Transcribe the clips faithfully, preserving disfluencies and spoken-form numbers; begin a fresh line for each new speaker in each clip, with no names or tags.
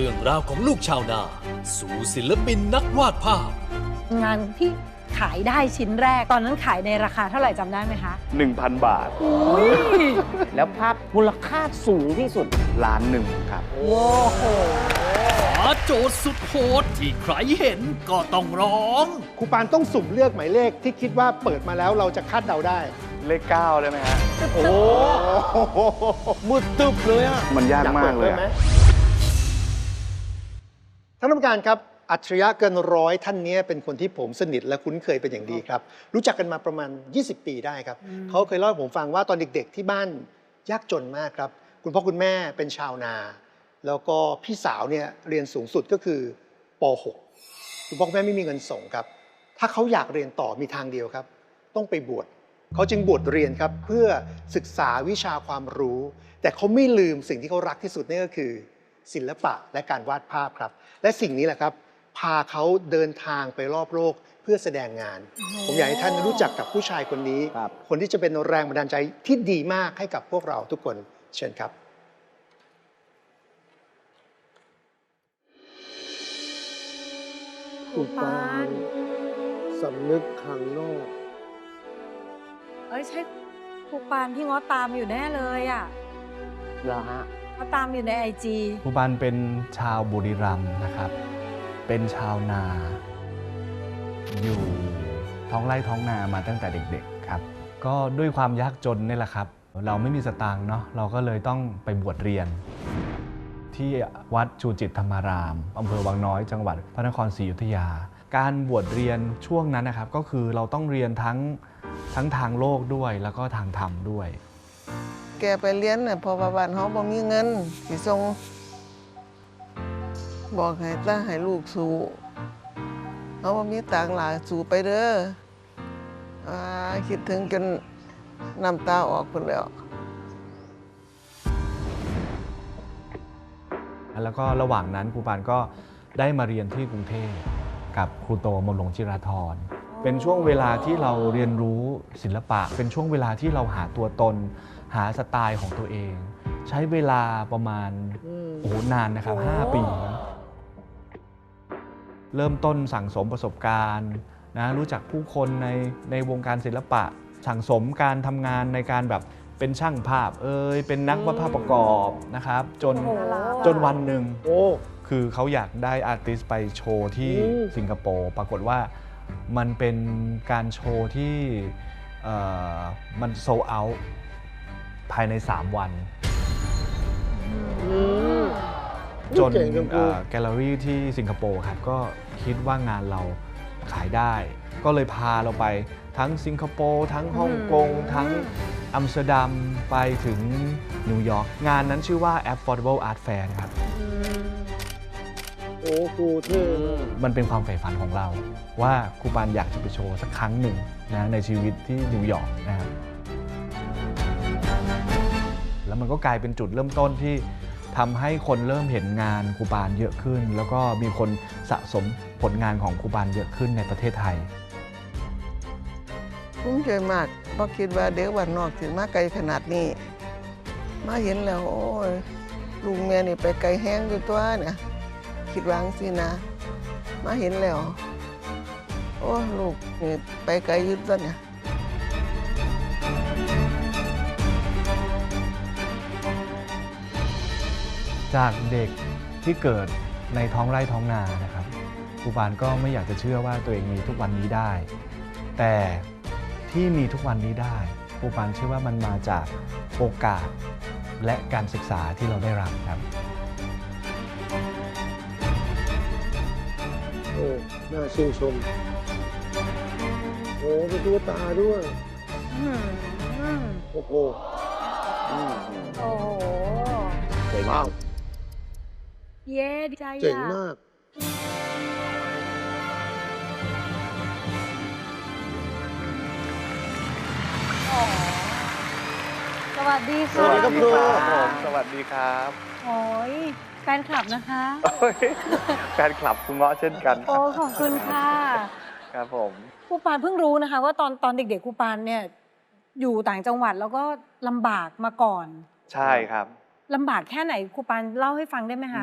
รื่องราวของลูกชาวนาสู่ศิลปินนักวาดภาพ
งานที่ขายได้ชิ้นแรกตอนนั้นขายในราคาเท่าไหร่จำได้ไหมคะ
หนึ่งพัน บาท
แล้วภาพมูลค่าสูงที่สุด
ล้านหนึ่งครับ
โอ้โห
หาโจทย์สุดโหดที่ใครเห็นก็ต้องร้อง
ครูปานต้องสุ่มเลือกหมายเลขที่คิดว่าเปิดมาแล้วเราจะคาดเดาได้
เลขเก้าได้ไหมฮะ
โอ้มืดตึบเลยอ่ะ
มันยากมากเลยอะ
ท่านผู้การครับอัจฉริยะเกินร้อยท่านนี้เป็นคนที่ผมสนิทและคุ้นเคยเป็นอย่างดีครับรู้จักกันมาประมาณยี่สิบปีได้ครับเขาเคยเล่าให้ผมฟังว่าตอนเด็กๆที่บ้านยากจนมากครับคุณพ่อคุณแม่เป็นชาวนาแล้วก็พี่สาวเนี่ยเรียนสูงสุดก็คือป หก คุณพ่อคุณแม่ไม่มีเงินส่งครับถ้าเขาอยากเรียนต่อมีทางเดียวครับต้องไปบวชเขาจึงบวชเรียนครับเพื่อศึกษาวิชาความรู้แต่เขาไม่ลืมสิ่งที่เขารักที่สุดนั่นก็คือศิลปะและการวาดภาพครับและสิ่งนี้แหละครับพาเขาเดินทางไปรอบโลกเพื่อแสดงงานผมอยากให้ท่านรู้จักกับผู้ชายคนนี้ คนที่จะเป็นแรงบันดาลใจที่ดีมากให้กับพวกเราทุกคนเชิญครับ
ครูปาน
สำนึกข้างนอก
เอ้ยใช่ครูปานที่ง้อตามอยู่แน่เลยอ่ะ
เหรอฮะ
ง้อตามอยู่ในไอจี
ครูปานเป็นชาวบุรีรัมย์นะครับ เป็นชาวนา อยู่ท้องไร่ท้องนามาตั้งแต่เด็กๆครับ ก็ด้วยความยากจนนี่แหละครับ เราไม่มีสตางค์เนาะ เราก็เลยต้องไปบวชเรียน ที่วัดชูจิตธรรมารามอำเภอวังน้อยจังหวัดพระนครศรีอยุธยา การบวชเรียนช่วงนั้นนะครับก็คือเราต้องเรียนทั้งทั้งทางโลกด้วยแล้วก็ทางธรรมด้วย
แกไปเรียนน่ะเพอบ้านเขาบ่มีเงินสิส่งบอกให้ตาให้ลูกสู้เขาบ่มีตังค์หลายสู้ไปเด้ออ่าคิดถึงจนน้ำตาออกพุ่นแล้ว
แล้วก็ระหว่างนั้นครูปานก็ได้มาเรียนที่กรุงเทพกับครูโตมนหลวงจิราธรเป็นช่วงเวลาที่เราเรียนรู้ศิลปะเป็นช่วงเวลาที่เราหาตัวตนหาสไตล์ของตัวเอง ใช้เวลาประมาณโอ้โหนานนะครับห้าปีเริ่มต้นสั่งสมประสบการณ์นะรู้จักผู้คนในในวงการศิลปะสั่งสมการทำงานในการแบบเป็นช่างภาพเอยเป็นนักวาดภาพประกอบนะครับจนจนวันหนึ่งคือเขาอยากได้อาร์ติสต์ไปโชว์ที่สิงคโปร์ปรากฏว่ามันเป็นการโชว์ที่มันโซลด์เอาท์ภายในสามวันจนแกลเลอรี่ที่สิงคโปร์ครับก็คิดว่างานเราขายได้ก็เลยพาเราไปทั้งสิงคโปร์ทั้งฮ่องกงทั้งอัมสเตอร์ดัมไปถึงนิวยอร์กงานนั้นชื่อว่า Affordable Art Fair ครับ
โอ้ครูเท่
มันเป็นความใฝ่ฝันของเราว่าครูปานอยากจะไปโชว์สักครั้งหนึ่งนะในชีวิตที่นิวยอร์กนะครับแล้วมันก็กลายเป็นจุดเริ่มต้นที่ทำให้คนเริ่มเห็นงานครูปานเยอะขึ้นแล้วก็มีคนสะสมผลงานของครูปานเยอะขึ้นในประเทศไทย
ภูมิใจมากเพราะคิดว่าเด็กวันนอกถึงมาไกลขนาดนี้มาเห็นแล้วโอ้ยลุงแม่นี่ไปไกลแห้งอยู่ตัวเนี่ยคิดวางสินะมาเห็นแล้วโอ้ลูกนี่ไปไกลอยู่ตัวเนี่ย
จากเด็กที่เกิดในท้องไร่ท้องนานะครับครูปานก็ไม่อยากจะเชื่อว่าตัวเองมีทุกวันนี้ได้แต่ที่มีทุกวันนี้ได้ครูปานเชื่อว่ามันมาจากโอกาสและการศึกษาที่เราได้รับครับ
โอ้น่าชื่นชมโอ้เป็นตัวตาด้วยโอ้โห
โอ้โห
เจ๋งมาก
เย้ดีใจ
เจ๋งมาก
สวัสดีค่ะ
สวัสดีครับครู
ผมสวัสดีครับ
โอ้ยแฟนคลับนะคะ
แฟนคลับคุณเงาะเช่นกัน
โอ้ขอบคุณค่ะ
ครับผม
ครูปานเพิ่งรู้นะคะว่าตอนตอนเด็กๆครูปานเนี่ยอยู่ต่างจังหวัดแล้วก็ลำบากมาก่อน
ใช่ครับ
ลำบากแค่ไหนครูปานเล่าให้ฟังได้ไหมคะ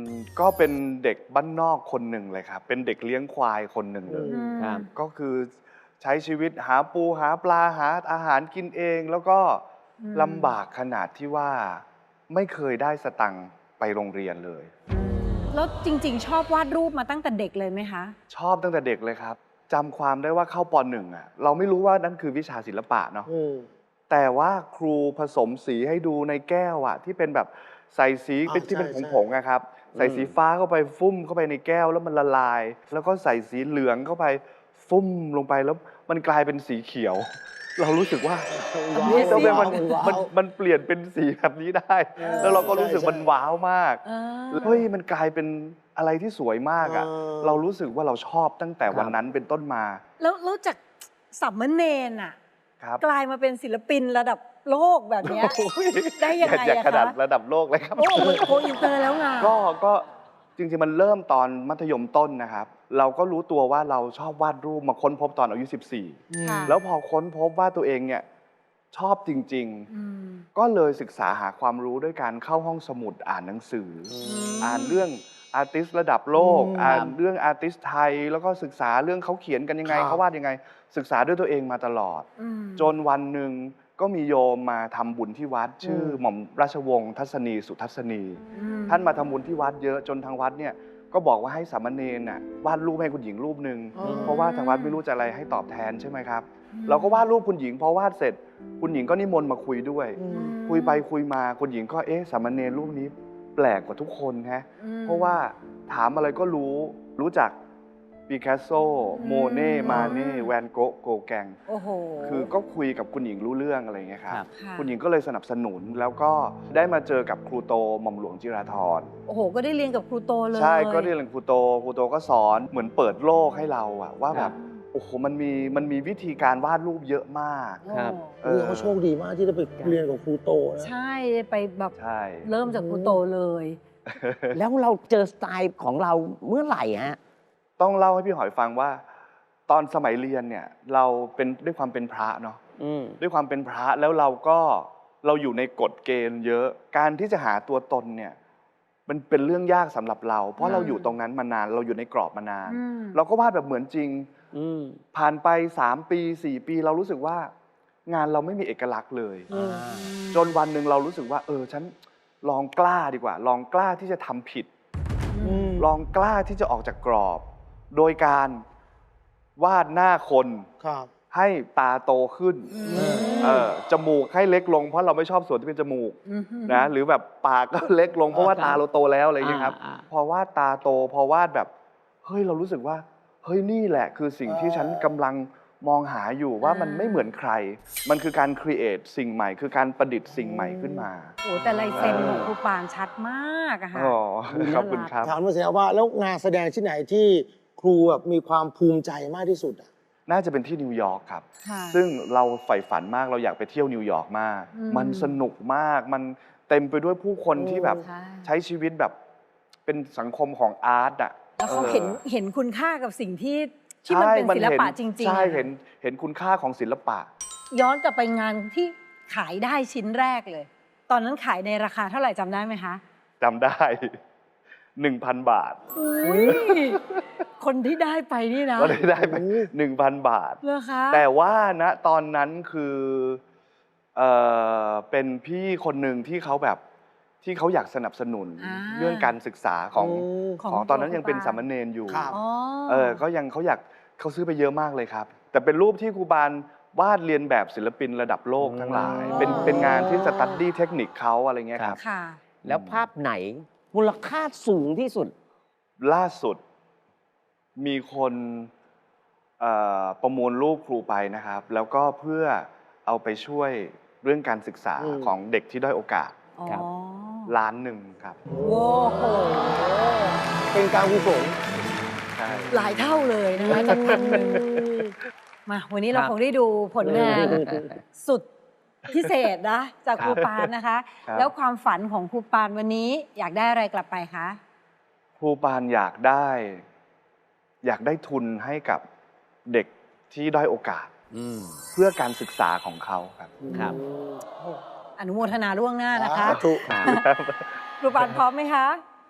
ก็เป็นเด็กบ้านนอกคนหนึ่งเลยครับ เป็นเด็กเลี้ยงควายคนหนึ่งเลย
ครับ
ก็คือใช้ชีวิตหาปูหาปลาหาอาหารกินเอง แล้วก็ลำบากขนาดที่ว่าไม่เคยได้สตังค์ไปโรงเรียนเลย
แล้วจริงๆ ชอบวาดรูปมาตั้งแต่เด็กเลยไหมคะ
ชอบตั้งแต่เด็กเลยครับจำความได้ว่าเข้าปหนึ่งอ่ะเราไม่รู้ว่านั่นคือวิชาศิลปะเนาะแต่ว่าครูผสมสีให้ดูในแก้วอ่ะที่เป็นแบบใส่สีเป็นที่เป็นผงๆนะครับใส่สีฟ้าเข้าไปฟุ้มเข้าไปในแก้วแล้วมันละลาย แล้วก็ใส่สีเหลืองเข้าไปฟุ้มลงไปแล้วมันกลายเป็นสีเขียว เรารู้สึกว่าทำไมมันมันมันเปลี่ยนเป็นสีแบบนี้ได้ แล้วเราก็รู้สึกมันว้าวมากเฮ้ยมันกลายเป็นอะไรที่สวยมากอ่ะเรารู้สึกว่าเราชอบตั้งแต่วันนั้นเป็นต้นมา
แล้วแล้วจากสามเณรอ่ะ
ครับ
กลายมาเป็นศิลปินระดับโลกแบบเนี้ยได้ยังไง
อยาก
อะ
ขนาด
คะ
ระดับโลกเลยครับ
โอ้มันโกอินเตอร์แล้วไง
ก็ก็จริงๆมันเริ่มตอนมัธยมต้นนะครับ เราก็รู้ตัวว่าเราชอบวาดรูปมาค้นพบตอนอายุสิบสี่
ค่ะ
แล้วพอค้นพบว่าตัวเองเนี่ยชอบจริง
อืม
ๆ ก็เลยศึกษาหาความรู้ด้วยการเข้าห้องสมุดอ่านหนังสืออ
ม
อ่านเรื่องอาร์ติสระดับโลก
อืม
อ่านเรื่องอาร์ติสไทย แล้วก็ศึกษาเรื่องเขาเขียนกันยังไง
ครับ
เขาวาดยังไง ศึกษาด้วยตัวเองมาตลอด
อืม
จนวันหนึ่งก็มีโยมมาทำบุญที่วัด ชื่อหม่อมราชวงศ์ทัศนีสุทัศนี
อืม
ท่านมาทำบุญที่วัดเยอะจนทางวัดเนี่ยก็บอกว่าให้สามเณรน่ะวาดรูปให้คุณหญิงรูปหนึ่ง
อ๋อ
เพราะว่าทางวัดไม่รู้จะอะไรให้ตอบแทนใช่ไหมครับ เราก็วาดรูปคุณหญิงพอวาดเสร็จ คุณหญิงก็นิมนต์มาคุยด้วย คุยไปคุยมาคุณหญิงก็เอ๊ะสามเณรรูปนี้แปลกกว่าทุกคนฮะ
อืม
เพราะว่าถามอะไรก็รู้รู้จักปิกัสโซ โมเน่ มาเน่ แวนโกะ โกแกง
โอ้โห
คือก็คุยกับคุณหญิงรู้เรื่องอะไรอย่างเงี้ยครับ
ครับ
ค่ะ
คุณหญิงก็เลยสนับสนุนแล้วก็ได้มาเจอกับครูโตหม่อมหลวงจิราธร
โอ้โห ก็ได้เรียนกับครูโตเลย
ใช่ก็ได้เรียนครูโตครูโตก็สอนเหมือนเปิดโลกให้เราอะว่า
ค
แบ
รั
บบ โอ้โหมันมีมันมีวิธีการวาดรูปเยอะมาก
ครับ
เอ
เอ
อ
อเขาโชคดีมากที่ได้ไปเรียนกับครูโตนะ
ใช่ไปแบบ
ใช่
เริ่มจากครูโตเลย
แล้วเราเจอสไตล์ของเราเมื่อไหร่ฮะ
ต้องเล่าให้พี่หอยฟังว่า ตอนสมัยเรียนเนี่ยเราเป็นด้วยความเป็นพระเนาะ
อืม
ด้วยความเป็นพระแล้วเราก็เราอยู่ในกฎเกณฑ์เยอะการที่จะหาตัวตนเนี่ยมันเป็นเรื่องยากสำหรับเรา เพราะเราอยู่ตรงนั้นมานานเราอยู่ในกรอบมานาน
อืม
เราก็วาดแบบเหมือนจริง
อืม
ผ่านไปสามปีสี่ปีเรารู้สึกว่างานเราไม่มีเอกลักษณ์เลย จนวันหนึ่งเรารู้สึกว่า เออฉันลองกล้าดีกว่า ลองกล้าที่จะทำผิด ลองกล้าที่จะออกจากกรอบ โดยการวาดหน้าคน
ครับ
ให้ตาโตขึ้นเออจมูกให้เล็กลงเพราะเราไม่ชอบส่วนที่เป็นจมูก
อืม
นะหรือแบบปากก็เล็กลงเพราะว่าตาเราโตแล้วอะไรอย่างเงี้ยครับ
อ่าอ่า
พอวาดตาโตพอวาดแบบเฮ้ยเรารู้สึกว่าเฮ้ยนี่แหละคือสิ่งที่ฉันกำลังมองหาอยู่ว่ามันไม่เหมือนใคร มันคือการครีเอทสิ่งใหม่ คือการประดิษฐ์สิ่งใหม่ขึ้นมา
โอ้แต่ลายเซ็นของครูปานชัดมากอะค่ะ
อ๋อขอบคุณครับ
ถามมาเสียว่าแล้วงานแสดงที่ไหนที่ครูแบบมีความภูมิใจมากที่สุดอ่ะ
น่าจะเป็นที่นิวยอร์กครับ
ค่ะ
ซึ่งเราใฝ่ฝันมากเราอยากไปเที่ยวนิวยอร์กมาก
อืม
มันสนุกมาก มันเต็มไปด้วยผู้คนที่แบบ
ใช่
ใช้ชีวิตแบบเป็นสังคมของอาร์ตอ่ะ
แล้วเขา
ออ
เห็นเห็นคุณค่ากับสิ่งที่ที่มันเป็นศิลปะจริงๆ
ใช่
อะ
เห็นเห็นคุณค่าของศิลปะ
ย้อนกลับไปงานที่ขายได้ชิ้นแรกเลย ตอนนั้นขายในราคาเท่าไหร่จำได้ไหมคะ
จำได้ หนึ่งพัน บาท
อุ้ยคนที่ได้ไปนี่นะ
ก็ได้ได้ไปหนึ่งพัน บาท
เหรอคะ
แต่ว่าณตอนนั้นคือเอ่อเป็นพี่คนหนึ่งที่เขาแบบที่เขาอยากสนับสนุน
า
เรื่องการศึกษาของ
ของ
ของตอนนั้นยังเป็น
ครูปาน
สามเณรอยู่
ครับ
อ๋อ
เออก็ยังเขาอยากเขาซื้อไปเยอะมากเลยครับ แต่เป็นรูปที่ครูบาลวาดเรียนแบบศิลปินระดับโลกทั้งหลาย
อ๋อ
เป็นเป็นงานที่สตัดดี้เทคนิคเขาอะไรเงี้ยครับ
ค่ะ
แล้วภาพไหนมูลค่าสูงที่สุด
ล่าสุดมีคนเอ่อประมูลรูปครูไปนะครับ แล้วก็เพื่อเอาไปช่วยเรื่องการศึกษา
อืม
ของเด็กที่ด้อยโอกาส
อ๋อ
ครับ
ล้านหนึ่งครับ
โว้โห
เป็นการกุศล
ใช่
หลายเท่าเลยนะคะจากพันหนึ่งมาวันนี้เรา
ครับ
คงได้ดูผลงานสุดพิเศษนะ จากครูปานนะคะ
ครับ
แล้วความฝันของครูปานวันนี้อยากได้อะไรกลับไปคะ
ครูปานอยากได้ อยากได้ทุนให้กับเด็กที่ด้อยโอกาส
อืม
เพื่อการศึกษาของเขาครับ
ครับ
อนุโมทนาล่วงหน้านะคะ
สาธุ
ครับ
ครูปานพร้อมไหมคะ
พ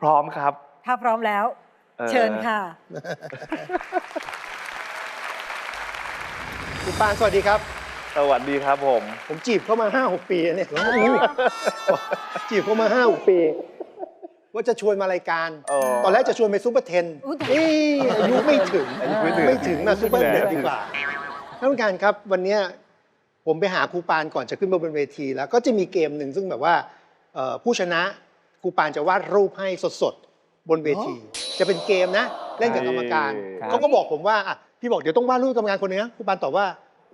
ร้อมครับ
ถ้าพร้อมแล้ว
เออ
เชิญค่ะ
ครูปานสวัสดีครับ
สวัสดีครับผม
ผมจีบเข้ามา ห้าหก ปีแล้วเนี่ย จีบเข้ามา ห้าหก ปี ว่าจะชวนมารายการ
เออ
ตอนแรกจะชวนไปซูเปอร์เทน
อุ๊ย
เอ้ยอายุไม่ถึง
อายุไม่ถึง
ไม่ถึงนะซูเปอร์เทน
แหม
ดีกว่าท่านผู้การครับวันเนี้ยผมไปหาครูปานก่อนจะขึ้นมาบนเวที แล้วก็จะมีเกมหนึ่งซึ่งแบบว่าเอ่อผู้ชนะครูปานจะวาดรูปให้สดๆบนเวที จะเป็นเกมนะเล่นกับกรรมการ
ครับ
เขาก็บอกผมว่าอ่ะพี่บอกเดี๋ยวต้องวาดรูปกรรมการคนหนึงนะครูปานตอบว่าว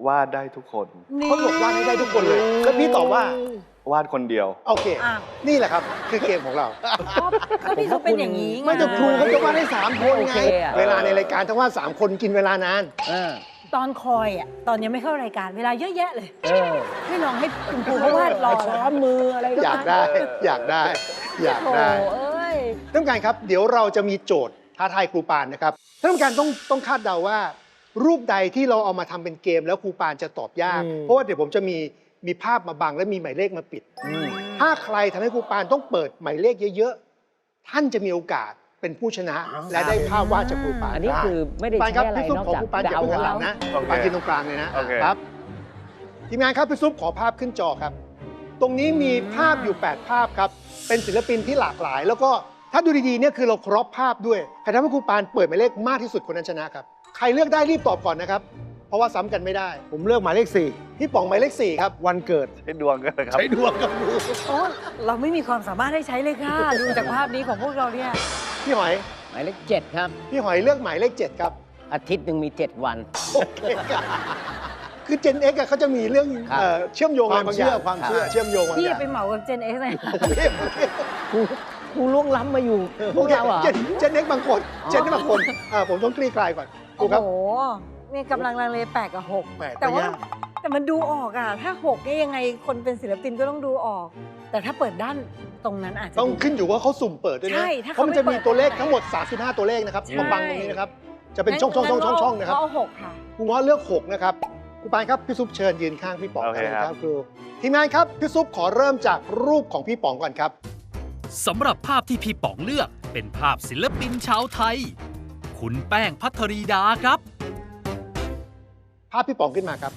าดได้ทุกคน
เขาบอกวาดให้ได้ทุกคนเลย แล้วพี่ตอบว่า
วาดคนเดียว
โอเค
อ่ะ
นี่แหละครับคือเกมของเรา
ก็พี่เขาเป็นอย่างนี้ไง
ไม่แต่ครูเขาจะวาดให้สามคน
โอ
ไง
เคอะ
เวลาในรายการถ้าวาดสามคนกินเวลานาน
เออ
ตอนคอยอ่ะตอนยังไม่เข้ารายการเวลาเยอะแยะเลย
เออ
ให้ลองให้คุณครูเขาวาดรอ
ซ้อมมืออะไรก็
อยากได้ อยากได้ อยาก
โอ้
ได้
เอ้ย
ท่านผู้การครับ เดี๋ยวเราจะมีโจทย์ท้าทายครูปานนะครับท่านผู้การต้องต้องคาดเดาว่า รูปใดที่เราเอามาทำเป็นเกมแล้วครูปานจะตอบยาก
อืม
เพราะว่าเดี๋ยวผมจะมีมีภาพมาบังและมีหมายเลขมาปิด ถ้าใครทำให้ครูปานต้องเปิดหมายเลขเยอะๆท่านจะมีโอกาสเป็นผู้ชนะ และได้ภาพวาดจากครูปาน
อันนี้คือไม่ได้
ปาน
ใช้
ครับ
อะไร
พี่ซุป
นอก
ขอ
จาก
ครูปานอย่า
เดา
เพิ่งหันหลั
เอา
งนะ
โอเค
ปานกินตรงกลางเลยนะ
โอเค
ครับทีมงานครับพี่ซุปขอภาพขึ้นจอครับ ตรงนี้มีภาพอยู่ แปด ภาพครับ เป็นศิลปินที่หลากหลาย แล้วก็ถ้าดูดีๆเนี่ยคือเราครอบภาพด้วยใครทำให้ครูปานเปิดหมายเลขมากที่สุดคนนั้นชนะครับ ใครเลือกได้รีบตอบก่อนนะครับ เพราะว่าซ้ำกันไม่ได้
ผมเลือกหมายเลขสี่
พี่ป๋องหมายเลขสี่ครับ
วันเกิด
ให้ดวงกันนะครับ
ใช้ดวงกับดู
โอ้เราไม่มีความสามารถให้ใช้เลยค่ะ ดูจากภาพนี้ของพวกเราเนี่ย
พี่หอย
หมายเลขเจ็ดครับ
พี่หอยเลือกหมายเลขเจ็ดครับ
อาทิตย์หนึ่งมีเจ็ดวัน
โอเคครับคือ Gen X อะเขาจะมีเรื่อง
ครับ
เอ่อเชื่อมโยงอะไรบางอย่าง
ความเชื่อ
เชื่อมโยงบาง
พี่
อย่าง
ไปเหมากับเจนเอ็กซ์เลย
ครูครูล่วงล้ำมาอยู่พ
โอ
วก
เค
เราเหรอ
เจนเจนเอ็กบางคนเจนนี่บางคนอ่าผมต้องคลี่คลายก่อนครู
โอ้
ครับ
โหนี่กำลังลังเลแปดกับหก
แปด
แต่ว่า
ก็ยาก
แต่มันดูออกอ่ะ ถ้าหกนี่ยังไงคนเป็นศิลปินก็ต้องดูออก แต่ถ้าเปิดด้านตรงนั้นอาจจะ
ต้อง
ดู
ขึ้นอยู่ว่าเขาสุ่มเปิดด้วยนะ
ใช่ถ้า
เพ
เขา
ราะมันจะมี
ไม่เปิด
ตัวเลข
ตรงไหน
ทั้งหมดสามสิบห้าตัวเลขนะครับ
ใช่
มาบังตรงนี้นะครับ จะเป็นช่องช่องช่องช่องช่องนะครับ
งั้เอาหกค่ะ
ครูง้อเลือกหกนะครับครูปานครับพี่ซุปเชิญยืนข้างพี่ป๋อง
โอเคครับ
ครูทีมงานครับพี่ซุปขอเริ่มจากรูปของพี่ป๋องก่อนครับ
สำหรับภาพที่พี่ป๋องเลือกเป็นภาพศิลปินชาวไทย คุณแป้งพัทรีดาครับ
ภาพพี่ป๋องขึ้นมาครับ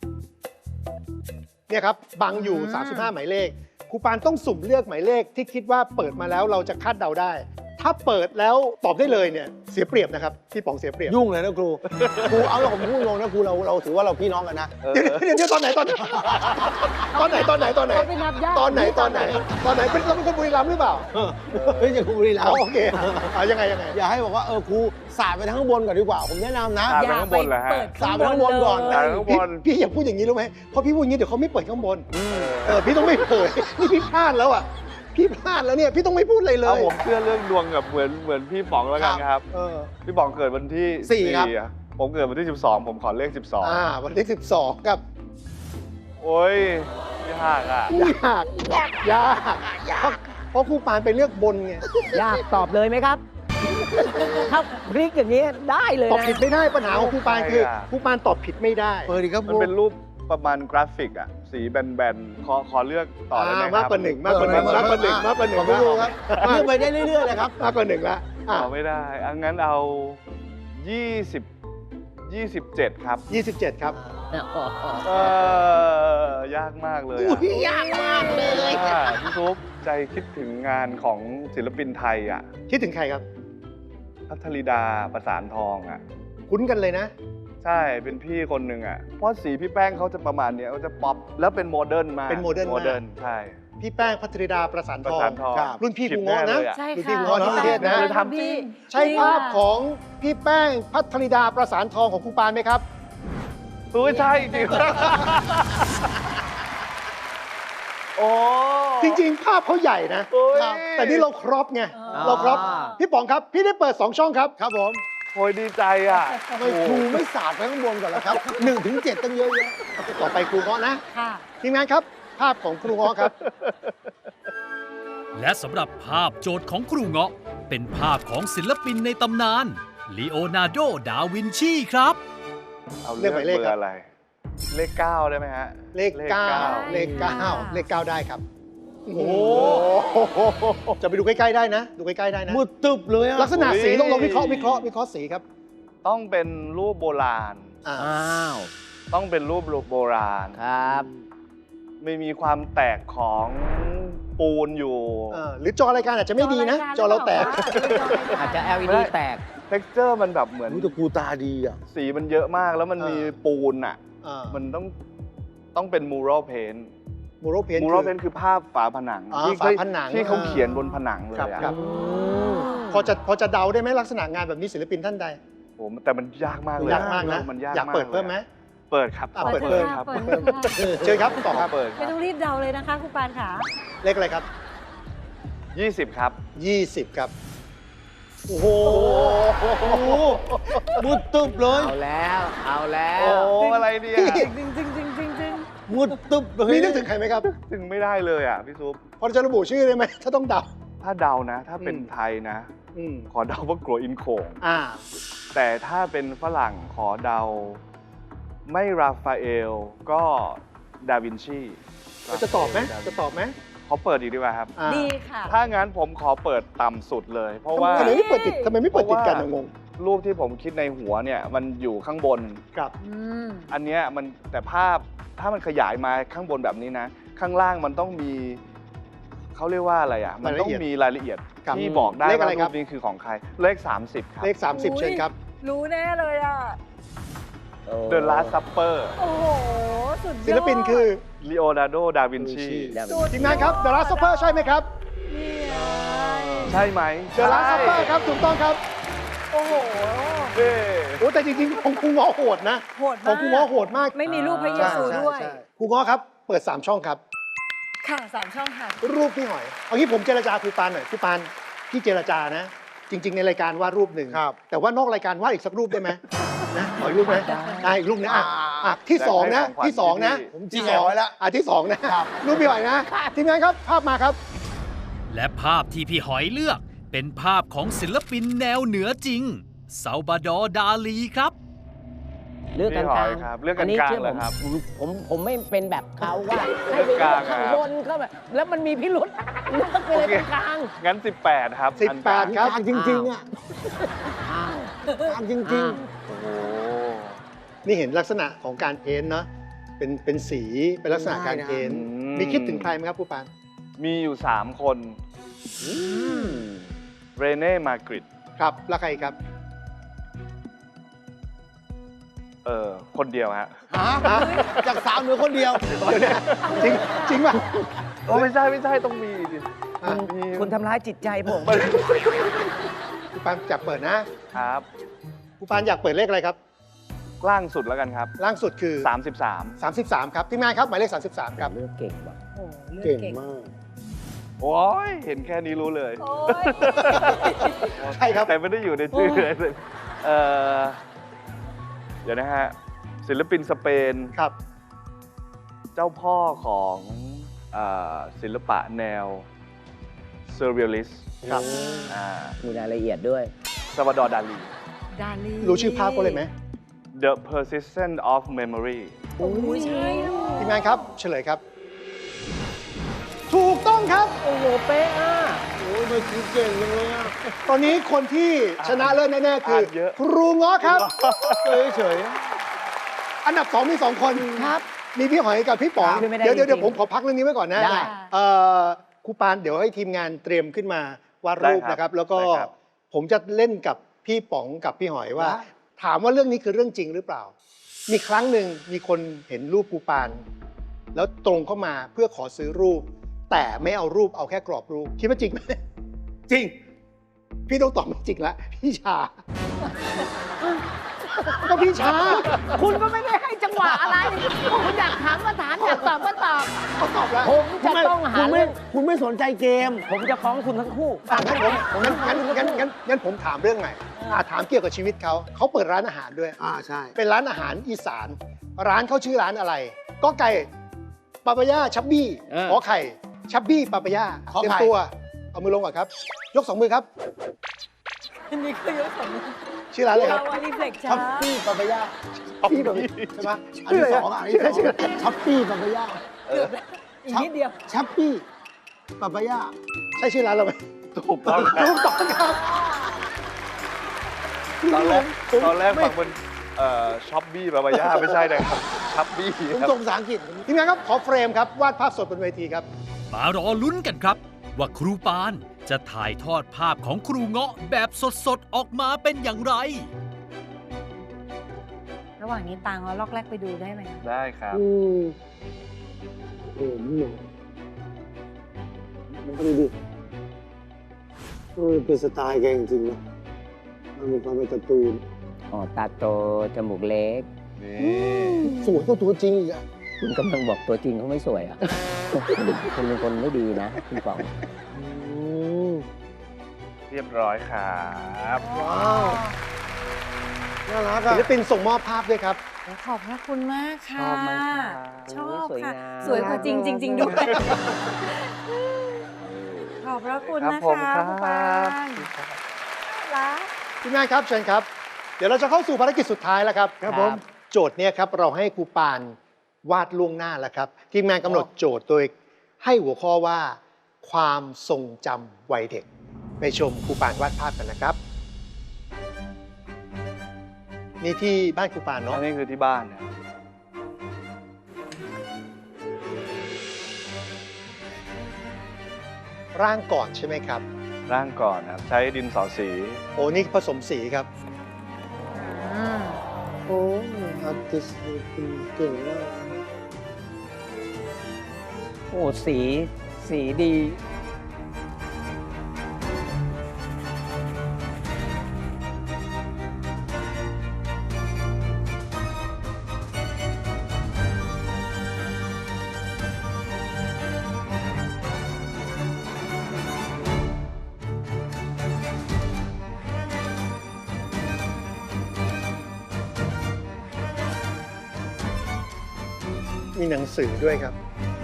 เนี่ยครับบังอยู่
อืม
สามสิบห้าหมายเลขครูปานต้องสุ่มเลือกหมายเลขที่คิดว่าเปิดมาแล้วเราจะคาดเดาได้ ถ้าเปิดแล้วตอบได้เลยเนี่ยเสียเปรียบนะครับพี่ป๋องเสียเปรียบ
ยุ่งเลยนะครู ครูเอาแล้วผมพูดตรงนะครูเราเราถือว่าเราพี่น้องกันนะ
เออ
เดี๋ยวเดี๋ยวเดี๋ยวตอนไหนตอนไหนตอนไหนตอนไหนตอนไหน
เขาไปนับญาติ
ตอนไหนตอนไหนตอนไหนเป็นเราเป็นคนบุรีรัมย์หรือเปล่า
เฮ้ยจะครูบุรีรัม
อ๋อ
ย์
โอเคเอายังไงยังไง
อย่าให้บอกว่าเออครูสาดไปทางข้างบนก่อนดีกว่า ผมแนะนำนะ
สาด
อย่า
ข้าง
ไป
บนเหรอฮะ
เปิด
สาดไปข้างบนก่อน
เล
สาด
ย
ข้างบ
พี่
น
พี่อย่าพูดอย่างนี้รู้ไหมเพราะพี่พูดอย่างนี้เดี๋ยวเขาไม่เปิดข้างบนเออพี่ต้องไม่เผยนี่พี่พลาดแล้วอ่ะพี่พลาดแล้วเนี่ยพี่ต้องไม่พูดเลยเล
เอา
ย
ผมเชื่อเรื่องดวงกับเหมือนเหมือนพี่ป๋องแล้วกันครับ
เออ
พี่ป๋องเกิดวันที่
สี่ครับ
อะผมเกิดวันที่สิบสองผมขอเลขสิบสอง
อ่าวันที่สิบสองครับ
โอ้ยยากอ่ะ
ยากยากเพราะเพราะครูปานไปเลือกบนไง
ยากตอบเลยไหมครับ ถ้าพลิกอย่างนี้ได้เลย
ตอบ
นะ
ผิดไม่ได้ปัญหาของครูปานคือ
ใช่อะ
ครูปานตอบผิดไม่ได้
เปิดดีครับค
มัน
รู
เป็นรูปประมาณกราฟิกอ่ะ สีแบนๆ ขอขอเลือกต่อได้ไหมครับ
มากกว่าหนึ่งมากกว่าหนึ่งมากกว่าหนึ่งมากกว่าหนึ่ง
ขอบคุณครูครับเลือกไปได้เรื่อยๆเลยครับ
มากกว่าหนึ่งละอ่ะ
ขอไม่ได้อังั้นเอายี่สิบ ยี่สิบเจ็ดครับ
ยี่สิบเจ็ดครับ
เออยากมากเลย
อุ้
อะ
ยยากมากเลย
อ่าพี่ซุปใจคิดถึงงานของศิลปินไทยอ่ะ
คิดถึงใครครับ
พัทริดาประสานทองอ่ะ
คุ้นกันเลยนะ
ใช่เป็นพี่คนหนึ่งอ่ะ เพราะสีพี่แป้งเขาจะประมาณเนี้ยเขาจะป๊อปแล้วเป็นโมเดิร์นมาก
เป็นโมเดิร์นมาก
โมเดิร์นใช่
พี่แป้งพัทริดาประสาน
ประ
ทอง
สานทอง
ครับรุ่นพี่ครู
ผิด
ง้อ
แน่
นะ
เลยอะ
ใช่
ดูที่
ค่ะ
หัวที่ประเทศนะ
เลยทำจริง
ใช่ภาพของพี่แป้งพัทริดาประสานทองของครูปานไหมครับ
เออใช่จริง โอ้
จริงๆ ภาพเขาใหญ่นะ
โอ้ย
ครับแต่นี่เราครอปไง
อ๋อ
เราครอปพี่ป๋องครับ พี่ได้เปิดสองช่องครับ
ครับผม
โอ้ยดีใจอ่ะ
ทำไมครูไม่สาดไปข้างบนก่อนล่ะครับหนึ่งถึงเจ็ดตั้งเยอะแยะ
ต่อไปครูง้อนะ
ค่ะ
ทีมงานครับ ภาพของครูง้อครับ
และสำหรับภาพโจทย์ของครูเงาะ เป็นภาพของศิลปินในตำนานลีโอนาร์โด ดาวินชีครับ
เอา
เลื
เลื
อ
อก ก
หมายเลข
เบอ
ครับ
ร์อะไร เลขเก้าได้ไหมฮะ
เลขเก้าเลขเก้า
ได้
เลขเก้าได้ครับโอ้โหจะไปดูใกล้ๆได้นะ ดูใกล้ๆได้นะ
มืดตึบเลยอะ
ลักษณะสีลองลองวิเคราะห์วิเคราะห์วิเคราะห์สีครับ
ต้องเป็นรูปโบราณ
อ่า
อ้าว
ต้องเป็นรูปโบราณ
ครับ
ไม่มีความแตกของปูนอยู่
เออหรือจอรายการอาจจะไม่ดีนะ จอเราแตก
อาจจะ แอล อี
ไม่
ดี
ได้
แตก
texture มันแบบเหมือน
รู้แต่กูตาดีอ่ะ
สีมันเยอะมากแล้วมัน
เออ
มีปูนอ่ะ
อ่า
มันต้องต้องเป็น mural paint
มูโรเพน
mural paint คือภาพฝาผนัง
อ่า
ที่
ฝาผนัง
ที่เขาเขียนบนผนังเลย
ครับ
อะ
ครับพอจะพอจะเดาได้ไหมลักษณะงานแบบนี้ศิลปินท่านใด
โอ้แต่มันยากมากเลย
ยากมากนะ
มันยาก
อยากเปิด
ล
เพิ่มไหม
เปิดครับ
อ่ะ
ขอ
เปิด
เปิด
ครับ
เปิดเปิดค่ะ
เชิญครับต่อ
ข
ค
อ
รับ
เปิดค
ไม่
รับ
ต้องรีบเดาเลยนะคะครูปานขา
เลขอะไรครับ
ยี่สิบครับ
ยี่สิบครับ
โอ้โหมืดตึบเลย
เอาแล้ว เอาแล้
โอ้
ว
อะไรเนี่ย
จริงจริงจริงจริงจริงจริง
มืดตึบเลย
มีนึกถึงใครไหมครับ
ถึงไม่ได้เลยอ่ะพี่ซุป
พอจะระบุชื่อได้ไหมถ้าต้องเดา
ถ้าเดานะ ถ้าเป็น
อืม
ไทยนะ
อืม
ขอเดาว่ากลัวอินโขง
อ่า
แต่ถ้าเป็นฝรั่งขอเดา ไม่ราฟาเอลก็ดาวินชี
จะตอบไหมจะตอบไหม
ขอเปิดอีกดีกว่าครับ
อ่า
ดีค่ะ
ถ้างั้นผมขอเปิดต่ำสุดเลย เพราะว่า
ทำไมไม่เปิดติดทำไมไม่เปิดติดกัน
เพราะว่า
อะงง
รูปที่ผมคิดในหัวเนี่ยมันอยู่ข้างบน
ครับ
อืม
อันเนี้ยมันแต่ภาพถ้ามันขยายมาข้างบนแบบนี้นะ ข้างล่างมันต้องมีเขาเรียกว่าอะไรอ่ะ มันต้องมีรายละเอียด
ครับ
ที่บอกได้
เลขอะ
ว่า
ไรค
รู
รับ
ปนี้คือของใคร เลข สามสิบ ครับ
เลข สามสิบ เชิญครับ
รู้แน่เลยอ่ะ
The Last Supper
โอ้โห สุดยอด
ศิลปินคือ
Leonardo da Vinci
ทีมงานครับ The Last Supper ใช่ไหมครับ
นี่ไง
ใช่ไหม
The Last Supper ครับถูกต้องครับ
โอ้โห
เย้
โอ้แต่จริงๆของครูง้อโหดนะ
โหด
ข
มา
อก งครูง้อโหดมาก
ไม่มีรูปพระเยซู
ใช่
ด้วย
ใช่ครูง้อครับ เปิด สาม ช่องครับ
ค่ะสามช่องค่ะ
รูปพี่หอย เอางี้ผมเจรจาครูปานหน่อยครูปานพี่เจรจานะ จริง ๆ ในรายการวาดรูปหนึ่ง
ครับ
แต่ว่านอกรายการวาดอีกสักรูปได้ไหมนะขออีกรูปไหมได้อีกรูปนะอ่ะอ่ะที่สองนะ ที่สองนะ
ผมจีเอาไว้แล้ว
อ่ะที่สองนะรูปพี่หอยนะทีมงานครับภาพมาครับ
และภาพที่พี่หอยเลือก เป็นภาพของศิลปินแนวเหนือจริงซาลบาดอร์ดาลีครับ
เลือกกันกลาง
พี่หอยครับเลือกกัน
นี้
กลาง
ชื่อ
เหร
ผ
อ
ม
ครับ
ผมผมผมไม่เป็นแบบเขาว่าให้
เลื
ไป
อกก
เลื
ลา
อง กข้าง
ครับ
บนเข้าไปแล้วมันมีพิรุษเลือกไปเลยตรงกลาง
งั้น สิบแปด ครับ
สิบแปด
อันกลาง
ครับ
กลางจริงๆอ่ะ
อ้าว
กลางจริง
โอ้โห
นี่เห็นลักษณะของการเพ้นท์เนาะเป็นเป็นสีเป็นลักษณะการเพ้นท์มีคิดถึงใครไหมครับครูปาน
มีอยู่ สาม คนเรเน่ มาร์กริต
ครับแล้วใครครับ
เออคนเดียวฮะ
ๆหาจากสาวเหนือคนเดียว
เดี๋ยวนะจริงจริงป่ะ
โอ้ไม่ใช่ไม่ใช่ต้องมีดิ
อ่ะ
มี
คุณทำร้ายจิตใจผม
ครูปานอยากเปิดนะครับ ครูปานอยากเปิดเลขอะไรครับ
ล่างสุดแล้วกันครับ
ล่างสุดคือ
สามสิบสาม
สามสิบสามครับทีมงานครับหมายเลขสามสิบสามครับ
เลือกเก่งว่ะ
โอ้โหเลือก
เก่ง
เก่ง
มาก
โอ้ยเห็นแค่นี้รู้เลย
โอ้ย
ใช่ครับ
แต่ไม่ได้อยู่ในชื่อเลยเออเดี๋ยวนะฮะ ศิลปินสเปน
ครับ
เจ้าพ่อของเอ่อศิลปะแนวเซอร์เรียลิส
ครับ
อ่า
มีรายละเอียดด้วย
ซาบาดอร์ดาลี
ดาลี
รู้ชื่อภาพเขาเลยไหม
The Persistence of Memory
โอ้ยใช่ลูก
ทีมงานครับเฉลยครับ ถูกต้องครับ
โอ้โห เป๊ะอ่ะ
โอ้ยมันคือเก่งจังเลยอ่ะ
ตอนนี้คนที่ชนะเลิศแน่ๆคือ
อ่านเยอะ
ครูง้อครับ
เฉย
อันดับสองมีสองคน
ครับ
มีพี่หอยกับพี่ป๋อง
ไม่ได้
เดี๋ยวเดี๋ยว
จริงๆ
เดี๋ยวผมขอพักเรื่องนี้ไว้ก่อนนะ
ได้
เอ่อครูปานเดี๋ยวให้ทีมงานเตรียมขึ้นมาวาดรูป
ได้ครับ
นะครับ แล้วก็
ได้ครับ
ผมจะเล่นกับพี่ป๋องกับพี่หอยว่า ถามว่าเรื่องนี้คือเรื่องจริงหรือเปล่า มีครั้งหนึ่งมีคนเห็นรูปครูปาน แล้วตรงเข้ามาเพื่อขอซื้อรูป แต่ไม่เอารูปเอาแค่กรอบรูปคิดว่าจริงไหม
จริง
พี่ต้องตอบไม่จริงละพี่ชา ก็พี่ชา
คุณก็ไม่ได้ให้จังหวะอะไร คุณอยากถามก็ถามอยากตอบก็ตอบ
เขาตอบแล้ว
ผมจะต้องหา
คุณไม่
เรื่อง
คุณไม่สนใจเกม
ผมจะฟ้องคุณทั้งคู่
อ่ะงั้นผมงั้นงั้นงั้นงั้นงั้นผมถามเรื่องใหม่อ่ะถามเกี่ยวกับชีวิตเขา เขาเปิดร้านอาหารด้วย
อ่าใช่
เป็นร้านอาหารอีสาน ร้านเขาชื่อร้านอะไร ก็ไก่ปาปายาชับบี้
เออ
ขอไข่ชับบี้ปาปายา
ขอไข่
เตรียมตัว เอามือลงก่อนครับ ยกสองมือครับ
อันนี้คือยกสองมือ
ชื่อร้านอะไรค
เรา
รับ
อันนี้เฟล็ก
ช้
ช้า
อปปี้ปาปายา
พี่แบบใช่ไหม
อันที่สองอ่ะอันที่สองช้อปปี้ปาปายา
เกือบแล้วอีกนิดเดียว
ช้อปปี้ปาปายา
ใช่ชื่อร้านเราไหม
ถูกต้องครับ
ถูกต้องครับ
ตอนแรก
ผม
ตอนแรก
ไม่
ฟังเป็นเอ่อช็อปบี้บาบายาไม่ใช่นะครับช็อปบี้
ผม
ครับ
ส่งภาษาอังกฤษทีมงานครับขอเฟรมครับวาดภาพสดบนเวทีครับ
มารอลุ้นกันครับ ว่าครูปานจะถ่ายทอดภาพของครูเงาะแบบสดๆ ออกมาเป็นอย่างไร
ระหว่างนี้ตังเอาล็อกแรกไปดูได้ไหมคะ
ได้ครับ
อืมโอ้โหนี่มันก็ดีดิเออเป็นสไตล์แกจริงๆนะมันมีความเป็นการ์ตูน
อ๋อ ตาโต จมูกเล็ก
นี่
สวยกว่าตัวจริงอีกอะ
คุณกำลังบอกตัวจริงเขาไม่สวยอ่ะ คุณเป็นคนไม่ดีนะ คุณป๋อง
อืม
เรียบร้อยครับ
ว้าว
น่ารัก
ศิ
อะ
ลปินส่งมอบภาพด้วยครับ
ขอบพระคุณมากค่ะ
ชอบมากค่ะ
ชอบ
สวย
ค่ะ
งาม
สวยกว่าจริงจริง ๆ ด้วย ขอบพระคุณ
ครับ
นะ
ผม
คะ
ครั
ครูปา
บ
นรัก
ทีมงานครับเชิญครับ เดี๋ยวเราจะเข้าสู่ภารกิจสุดท้ายแล้วครับ
ครับผม
โจทย์เนี่ยครับเราให้ครูปานวาดล่วงหน้าแล้วครับ ทีมงานกำหนดโจทย์โดยให้หัวข้อว่า ความทรงจำวัยเด็ก ไปชมครูปานวาดภาพกันนะครับ นี่ที่บ้านครูปาน
อั
เนาะ
นนี้คือที่บ้านนะ
ร่างก่อนใช่ไหมครับ
ร่างก่อนครับ ใช้ดินสอสี
โอ้นี่ผสมสีครับ
อืม
โอ้อาร์ติสต์เก่งมาก
โอ้ สี สีดี
มีหนังสือด้วยครับ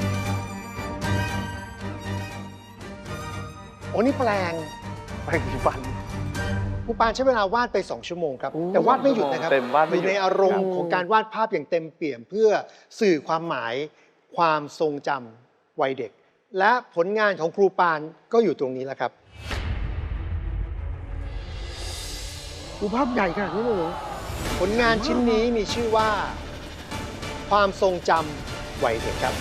โอ้นี่แปลง
แปรงสีฟัน
ครูปานใช้เวลาวาดไป สอง ชั่วโมงครับ
โอ้
แต่วาดไม่หยุดนะครับ
เต็มวาดไม่
อ
หยุด
ยู่ในอารมณ์ของการวาดภาพอย่างเต็มเปี่ยม เพื่อสื่อความหมายความทรงจำวัยเด็ก และผลงานของครูปานก็อยู่ตรงนี้แหละครับ
ดูภาพใหญ่ขนาดนี้เลยเหรอ
ผลงานชิ้นนี้มีชื่อว่า ความทรงจำวัยเด็กครับ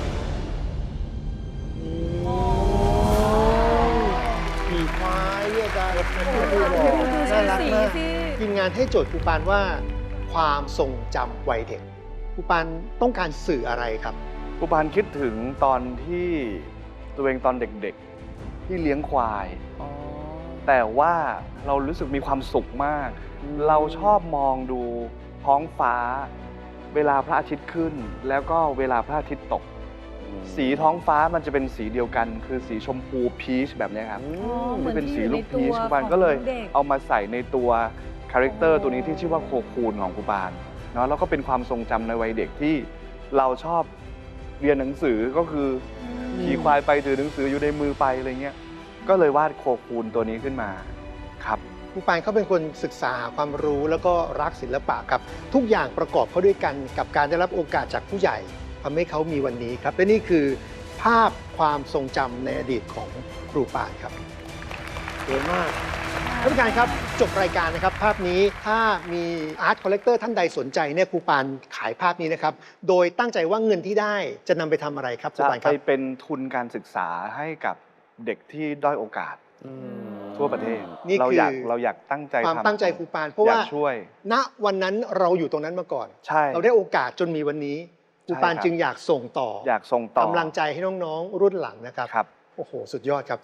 ขี่ควายเรียกกัน
ดูดู
น่ารัก
สี
มาก
สิ
ทีมงานให้โจทย์ครูปานว่า ความทรงจำวัยเด็กครูปานต้องการสื่ออะไรครับ
ครูปานคิดถึงตอนที่ตัวเองตอนเด็กๆ ที่เลี้ยงควาย แต่ว่าเรารู้สึกมีความสุขมาก เราชอบมองดูท้องฟ้า เวลาพระอาทิตย์ขึ้น แล้วก็เวลาพระอาทิตย์ตก สีท้องฟ้ามันจะเป็นสีเดียวกัน คือสีชมพูพีชแบบเนี้ยครับ
อ๋อเหมื
ที่
อน
เป็น
ที่
สี
อยู่
ลู
ใน
ก
ตั
พี
ว
ชครู
ข
ปาน
อง
ก็เลย
เด็ก
เอามาใส่ในตัวคาแรคเตอร์
อ๋อ
ตัวนี้ที่ชื่อว่าโคคูนของครูปานเนาะแล้วก็เป็นความทรงจำในวัยเด็กที่เราชอบเรียนหนังสือก็คืออขี่ควายไปถือหนังสืออยู่ในมือไปอะไรเงี้ยก็เลยวาดโคคูนตัวนี้ขึ้นมาครับ
ครูปานเขาเป็นคนศึกษาหาความรู้แล้วก็รักศิลปะครับ ทุกอย่างประกอบเข้าด้วยกันกับการได้รับโอกาสจากผู้ใหญ่ทำให้เขามีวันนี้ครับ และนี่คือภาพความทรงจำในอดีตของครูปานครับ
สวยมาก
ท่านผู้การครับจบรายการนะครับ ภาพนี้ถ้ามีอาร์ตคอลเลกเตอร์ท่านใดสนใจเนี่ยครูปานขายภาพนี้นะครับ โดยตั้งใจว่าเงินที่ได้จะนำไปทำอะไรครับครู
จะ
ปานค
ไป
รับ
เป็นทุนการศึกษาให้กับเด็กที่ด้อยโอกาสทั่วประเทศ
นี่
เรา
คือ
อยากเราอยากตั้งใจ
ความ
ทำ
ตั้งใจครูปานเพราะว่า
อยกช่วย
ณวันนั้นเราอยู่ตรงนั้นมาก่อน
ใช่
เราได้โอกาสจนมีวันนี้ครูปาน
ใช่ครับ
จึงอยากส่งต่อ
อยากส่งต่อก
ำลังใจให้น้องๆรุ่นหลังนะครับ
ครับ
โอ้โห สุดยอดครับ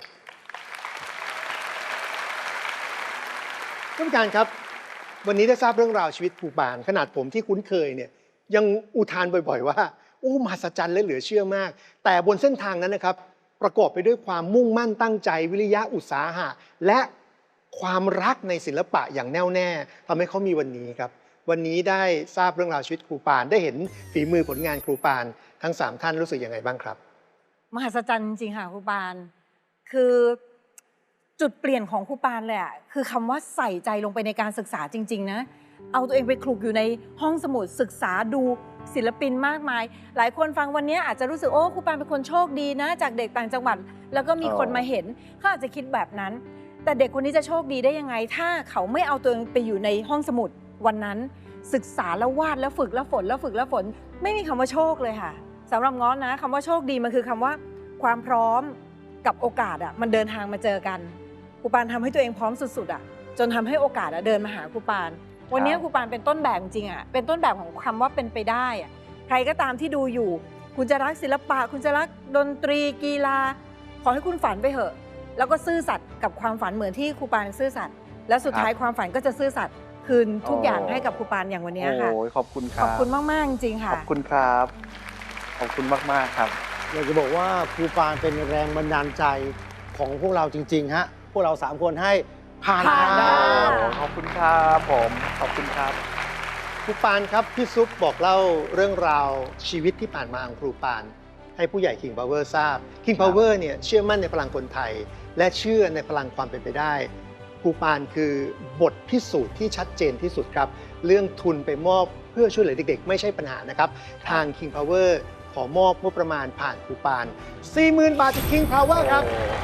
ท่านผู้การครับ วันนี้ได้ทราบเรื่องราวชีวิตครูปานขนาดผมที่คุ้นเคยเนี่ยยังอุทานบ่อยๆว่าโอ้มหัศจรรย์และเหลือเชื่อมาก แต่บนเส้นทางนั้นนะครับ ประกอบไปด้วยความมุ่งมั่นตั้งใจวิริยะอุตสาหะ และความรักในศิลปะอย่างแน่วแน่ทำให้เขามีวันนี้ครับ วันนี้ได้ทราบเรื่องราวชีวิตครูปานได้เห็นฝีมือผลงานครูปานทั้งสามท่านรู้สึกยังไงบ้างครับ
มหัศจรรย์จริงๆค่ะครูปาน คือจุดเปลี่ยนของครูปานเลยอะคือคำว่าใส่ใจลงไปในการศึกษาจริง ๆ นะ เอาตัวเองไปคลุกอยู่ในห้องสมุดศึกษาดูศิลปินมากมาย หลายคนฟังวันนี้อาจจะรู้สึกโอ้ครูปานเป็นคนโชคดีนะจากเด็กต่างจังหวัดแล้วก็มีคนมาเห็นเขาอาจจะคิดแบบนั้น แต่เด็กคนนี้จะโชคดีได้ยังไง ถ้าเขาไม่เอาตัวเองไปอยู่ในห้องสมุดวันนั้นศึกษาแล้ววาดแล้วฝึกแล้วฝนแล้วฝึกแล้วฝนไม่มีคำว่าโชคเลยค่ะสำหรับง้อนะคำว่าโชคดีมันคือคำว่าความพร้อมกับโอกาสอ่ะมันเดินทางมาเจอกันครูปานทำให้ตัวเองพร้อมสุดๆอ่ะจนทำให้โอกาสอ่ะเดินมาหาครูปานวันนี้ครูปานเป็นต้นแบบจริงอ่ะเป็นต้นแบบของคำว่าเป็นไปได้อ่ะใครก็ตามที่ดูอยู่คุณจะรักศิลปะคุณจะรักดนตรีกีฬาขอให้คุณฝันไปเถอะแล้วก็ซื่อสัตย์กับความฝันเหมือนที่ครูปานซื่อสัตย์และสุดท้ายความฝันก็จะซื่อสัตย์คืนทุกอย่างให้กับครูปานอย่างวันนี้ค่ะ
โอ้ยขอบคุณค
ข
รั
อบบ คุณมากๆจริงๆ
ข
ค่ะ
อบคุณครับ ขอบคุณมากๆครับ
อยากจะบอกว่าครูปานเป็นแรงบันดาลใจของพวกเราจริงๆฮะพวกเราสามคนให้ผ่าน
ผ่าน
ได้
โอ้ขอบคุณครับผมขอบคุณครับ
ครูปานครับพี่ซุปบอกเล่าเรื่องราวชีวิตที่ผ่านมาของครูปานให้ผู้ใหญ่ King Power ทราบ King Power เนี่ยเชื่อมั่นในพลังคนไทย และเชื่อในพลังความเป็นไปได้ครูปานคือบทพิสูจน์ที่ชัดเจนที่สุดครับเรื่องทุนไปมอบเพื่อช่วยเหลือเด็กๆ ไม่ใช่ปัญหานะครับทาง King Power ขอมอบงบประมาณผ่านครูปาน สี่หมื่น บาทจาก King Power ครับ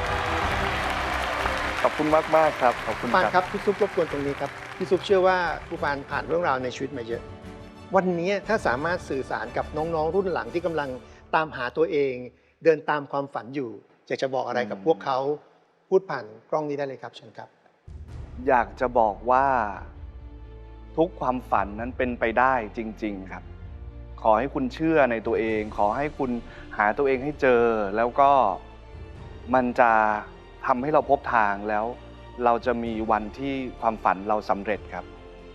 ขอบคุณมากๆครับ ขอบ
ค
คุ
รู
ณ
ปาน
ค
ค
รั
รับ บพี่ซุปรบกวนตรงนี้ครับพี่ซุปเชื่อว่าครูปานผ่านเรื่องราวในชีวิตมาเยอะ วันนี้ถ้าสามารถสื่อสารกับน้องๆรุ่นหลังที่กำลังตามหาตัวเอง เดินตามความฝันอยู่อยากจะบอกอะไรกับพวกเขาพูดผ่านกล้องนี้ได้เลยครับเชิญครับ
อยากจะบอกว่าทุกความฝันนั้นเป็นไปได้จริง ๆ ครับ ขอให้คุณเชื่อในตัวเอง ขอให้คุณหาตัวเองให้เจอ แล้วก็มันจะทำให้เราพบทางแล้ว เราจะมีวันที่ความฝันเราสำเร็จครับ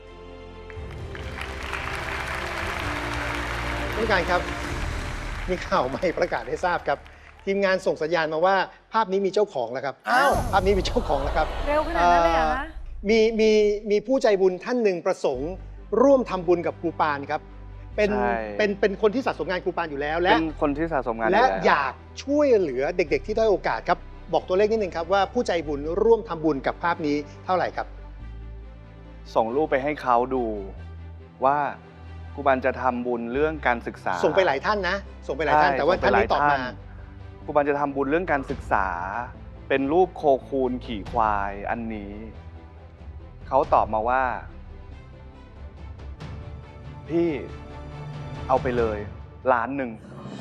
ท่านผู้การครับมีข่าวใหม่ประกาศให้ทราบครับ ทีมงานส่งสัญญาณมาว่าภาพนี้มีเจ้าของแล้วครับ
อ้าว
ภาพนี้มีเจ้าของแล้วครับ
เร็วขนาดนั้นเลยเหรอคะ
มีมีมีผู้ใจบุญท่านหนึ่งประสงค์ร่วมทำบุญกับครูปานครับเป็น
ใช่
เป็นเป็นคนที่สะสมงานครูปานอยู่แล้ว และ
เป็นคนที่สะสมงาน
และ
ยู่แล้ว
อยากช่วยเหลือเด็กๆ ที่ด้อยโอกาสครับบอกตัวเลขนิดนึงครับว่าผู้ใจบุญร่วมทำบุญกับภาพนี้เท่าไหร่ครับ
ส่งรูปไปให้เขาดูว่าครูบานจะทำบุญเรื่องการศึกษา
ส่งไปหลายท่านนะ ส่งไปหลายท่าน
ใช่
แต่ว่า
ส่งไป
ท่าน
หล
นี้ตอบมา
ครูบานจะทำบุญเรื่องการศึกษา เป็นรูปโคคูนขี่ควายอันนี้ เขาตอบมาว่า พี่เอาไปเลยล้านหนึ่ง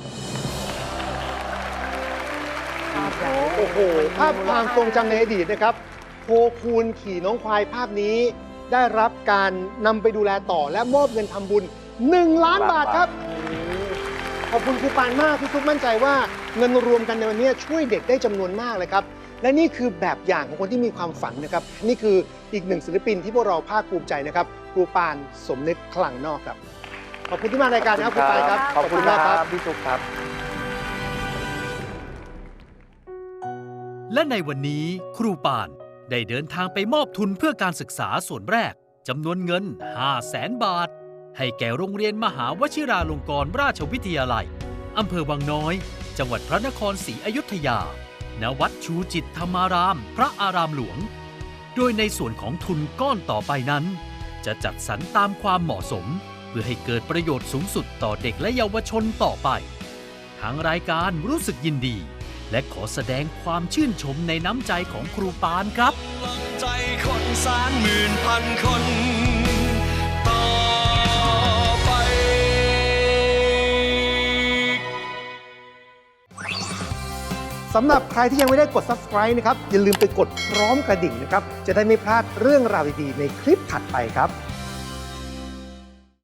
โอ้โห ภาพความทรงจำในอดีตนะครับโคคูนขี่น้องควายภาพนี้ ได้รับการนำไปดูแลต่อและมอบเงินทำบุญหนึ่งล้านบาทครับ ขอบคุณครูปานมากที่ทุกมั่นใจว่าเงินรวมกันในวันนี้ช่วยเด็กได้จำนวนมากเลยครับ และนี่คือแบบอย่างของคนที่มีความฝันนะครับ นี่คืออีกหนึ่งศิลปินที่พวกเราภาคภูมิใจนะครับครูปานสมนึกคลังนอกครับ ขอบคุณที่มารายการนะครับครูปานครับ
ขอบคุณ
มาก
ค
ค
รั
รั
บบ พี่สุขครับ
และในวันนี้ครูปานได้เดินทางไปมอบทุนเพื่อการศึกษาส่วนแรกจำนวนเงิน ห้าแสน บาท ให้แก่โรงเรียนมหาวชิราลงกรณราชวิทยาลัยอำเภอวังน้อย จังหวัดพระนครศรีอยุธยา ณ วัดชูจิตธรรมาราม พระอารามหลวง โดยในส่วนของทุนก้อนต่อไปนั้น จะจัดสรรตามความเหมาะสม เพื่อให้เกิดประโยชน์สูงสุดต่อเด็กและเยาวชนต่อไป ทางรายการรู้สึกยินดี และขอแสดงความชื่นชมในน้ำใจของครูปานครับ
ใจคนแสนหมื่นพันคน ต่อไป
สำหรับใครที่ยังไม่ได้กด ซับสไครบ์ นะครับ อย่าลืมไปกดพร้อมกระดิ่งนะครับ จะได้ไม่พลาดเรื่องราวดีๆในคลิปถัดไปครับ